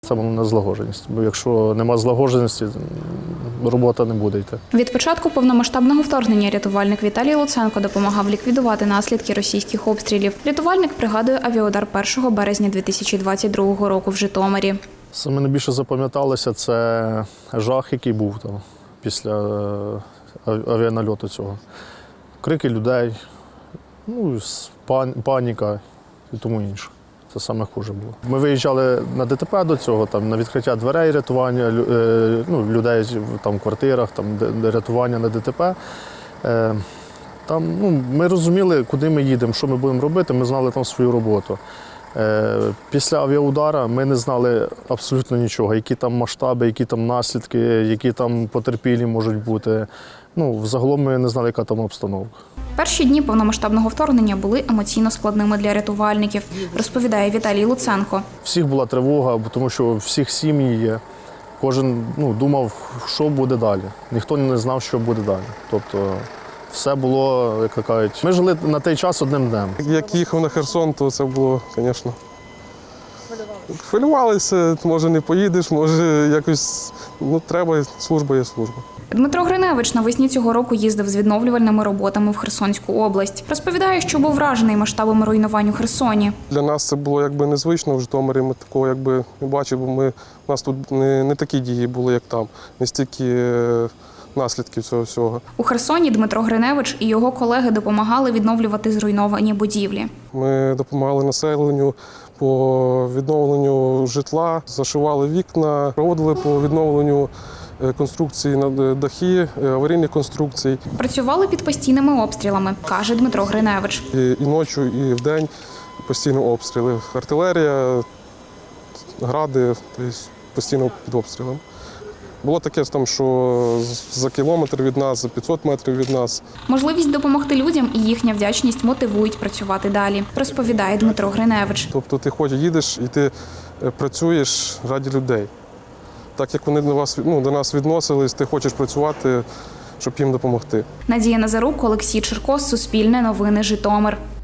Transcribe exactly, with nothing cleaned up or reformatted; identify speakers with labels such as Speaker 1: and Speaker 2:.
Speaker 1: Це не злагодженість, бо якщо нема злагодженості, робота не буде йти.
Speaker 2: Від початку повномасштабного вторгнення рятувальник Віталій Луценко допомагав ліквідувати наслідки російських обстрілів. Рятувальник пригадує авіаудар першого березня дві тисячі двадцять другого року в Житомирі.
Speaker 1: Саме найбільше запам'яталося це жах, який був там після авіанальоту цього. Крики людей, ну, паніка і тому інше. Це саме хуже було. Ми виїжджали на ДТП до цього, там, на відкриття дверей, рятування ну, людей там, в квартирах, там, рятування на ДТП. Там, ну, ми розуміли, куди ми їдемо, що ми будемо робити, ми знали там свою роботу. Після авіаудара ми не знали абсолютно нічого, які там масштаби, які там наслідки, які там потерпілі можуть бути. Ну, взагалом ми не знали, яка там обстановка.
Speaker 2: Перші дні повномасштабного вторгнення були емоційно складними для рятувальників, розповідає Віталій Луценко.
Speaker 1: Всіх була тривога, тому що всіх сім'ї є. Кожен ну, думав, що буде далі. Ніхто не знав, що буде далі. Тобто все було, як кажуть, ми жили на той час одним днем.
Speaker 3: Як їхав на Херсон, то це було, звісно. Хвилювалися, може не поїдеш, може якось, ну треба, служба є служба.
Speaker 2: Дмитро Гриневич навесні цього року їздив з відновлювальними роботами в Херсонську область. Розповідає, що був вражений масштабами руйнувань у Херсоні.
Speaker 3: Для нас це було якби незвично в Житомирі, ми такого якби не бачили, бо ми, у нас тут не, не такі дії були, як там, не стільки наслідків цього всього.
Speaker 2: У Херсоні Дмитро Гриневич і його колеги допомагали відновлювати зруйновані будівлі.
Speaker 3: Ми допомагали населенню по відновленню житла, зашивали вікна, проводили по відновленню конструкції на дахи, аварійних конструкцій.
Speaker 2: Працювали під постійними обстрілами, каже Дмитро Гриневич.
Speaker 3: І, і ночі, і вдень постійно обстріли. Артилерія, гради, тобто постійно під обстрілом. Було таке, там, що за кілометр від нас, за п'ятсот метрів від нас.
Speaker 2: Можливість допомогти людям і їхня вдячність мотивують працювати далі, розповідає Дмитро Гриневич.
Speaker 3: Тобто ти хоч їдеш і ти працюєш раді людей. Так як вони до вас, ну, до нас відносились, ти хочеш працювати, щоб їм допомогти.
Speaker 2: Надія Назарук, Олексій Черкос, Суспільне новини, Житомир.